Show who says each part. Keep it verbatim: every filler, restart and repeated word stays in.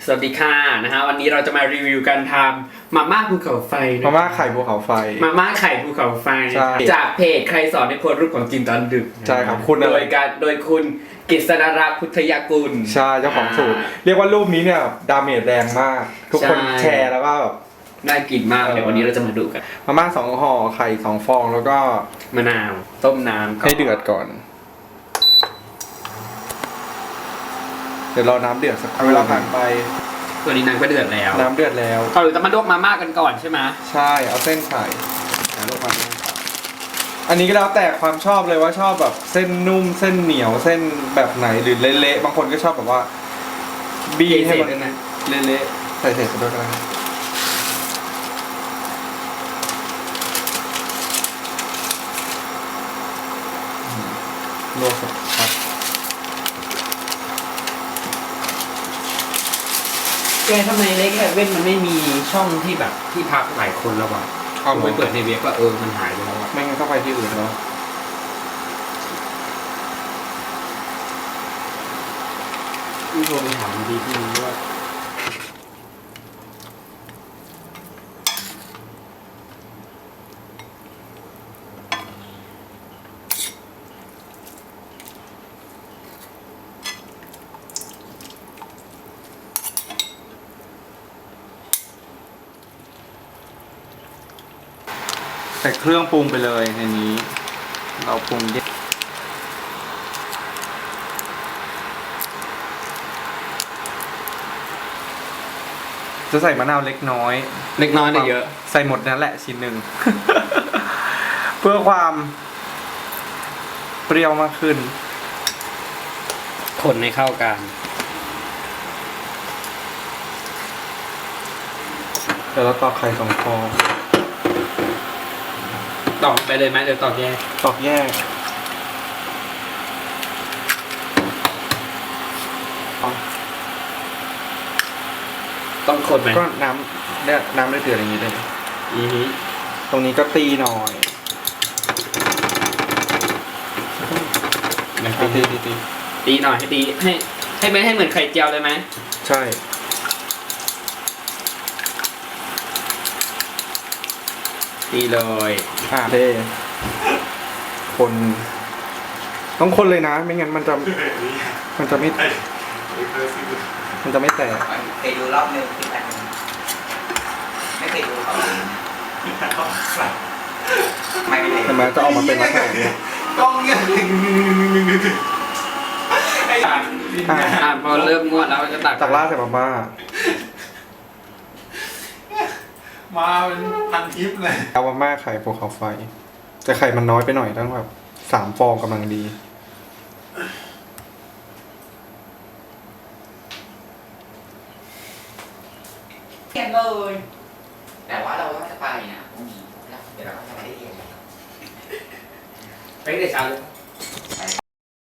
Speaker 1: สวัสดีค่ะนะฮะวันนี้เราจะมารีวิวการทำมาม่าภูเขาไฟ
Speaker 2: มาม่าไข่ภูเขาไฟ
Speaker 1: มาม่าไข่ภูเขาไฟจากเพจใครสอนในโพสต์รูปของกินตอนดึก
Speaker 2: ใช่ครับคุณ
Speaker 1: โดยการโดยคุณกฤษณรักษ์พุทธยากุล
Speaker 2: ใช่เจ้าของสูตรเรียกว่ารูปนี้เนี่ยดาเมจแรงมากทุกคนแชร์แล้วก็แบบ
Speaker 1: น่ากินมากเดี๋ยววันนี้เราจะมาดูกัน
Speaker 2: มาม่าสองห่อไข่สองฟองแล้วก็
Speaker 1: มะนาวต้มน้ำ
Speaker 2: ให้เดือดก่อนเดี๋ยวรอน้ำเดือดสักเวลาผ่านไป
Speaker 1: ตัวนี้น้ำก็เดือดแล้ว
Speaker 2: น้ำเดือดแล้ว
Speaker 1: เราจะมาลวกมาม่ากันก่อนใช่ไหม
Speaker 2: ใช่เอาเส้นใส่ลวกมาอันนี้ก็แล้วแต่ความชอบเลยว่าชอบแบบเส้นนุ่มเส้นเหนียวเส้นแบบไหนหรือเละๆบางคนก็ชอบแบบว่าบีให้มันเละๆใส่เศษไปด้วยกันลวกสักพัก
Speaker 1: แกทำไมเล็กแค่เว้นมันไม่มีช่องที่แบบที่พักหลายคนแล้ววะเอาไปเปิดในเว็บก็เออมันหายไปแล้วอะ
Speaker 2: ไม่งั้นก็ไปที่อื่นแล้ว
Speaker 1: พี่โทรไปถามดีที่นี้ว่า
Speaker 2: ใส่เครื่องปรุงไปเลยในนี้เราปรุงเยอะจะใส่มะนาวเล็กน้อย
Speaker 1: เล็กน้อยเลยเยอะ
Speaker 2: ใส่หมดนั่นแหละชิ้นหนึ่ง เพื่อความเปรี้ยวมากขึ้น
Speaker 1: คนให้เข้ากัน
Speaker 2: เดี๋ยวเราตอกไข่สองฟอง
Speaker 1: ตอกไปเลยไหมเดี๋ยวตอกแยก
Speaker 2: ตอกแยก
Speaker 1: ต้องคนไหม
Speaker 2: ก็น้ำเนี่ยน้ำได้เดือดอย่างนี้เลย
Speaker 1: อือฮึ
Speaker 2: ตรงนี้ก็ตีหน่อย
Speaker 1: ตีตีตีตีตีหน่อยให้ตีให้ให้ไม่ให้เหมือนไข่เจียวเลยไหม
Speaker 2: ใช่
Speaker 1: ตีเลย
Speaker 2: อ่าเทคนต้องคนเลยนะไม่งั้นมันจะมันจะไม่มันจะไม่แตก
Speaker 3: เคยดูรอบนึงที่แตกไม่เคยดูเขาไม่ไม่
Speaker 2: ทำไมจะออกมาเป็นลักษณะนี้
Speaker 3: กล้องเนี่ย
Speaker 1: อ่าพอเริ่มงวดแล้วจะตัก
Speaker 2: ตักราดใส่มาม่า
Speaker 3: มาเป็นพันทิปเลย
Speaker 2: เอามาม่าไข่ภูเขาไฟแต่ไข่มันน้อยไปหน่อยต้องแบบสามฟองกำลังดี
Speaker 3: เรียนเลยแต่ว่าเราต้องจะไปนะพรุ่งนี้เดี๋ยวเราจะไปเรียน
Speaker 1: ไปเดี๋ยวเช้าเลย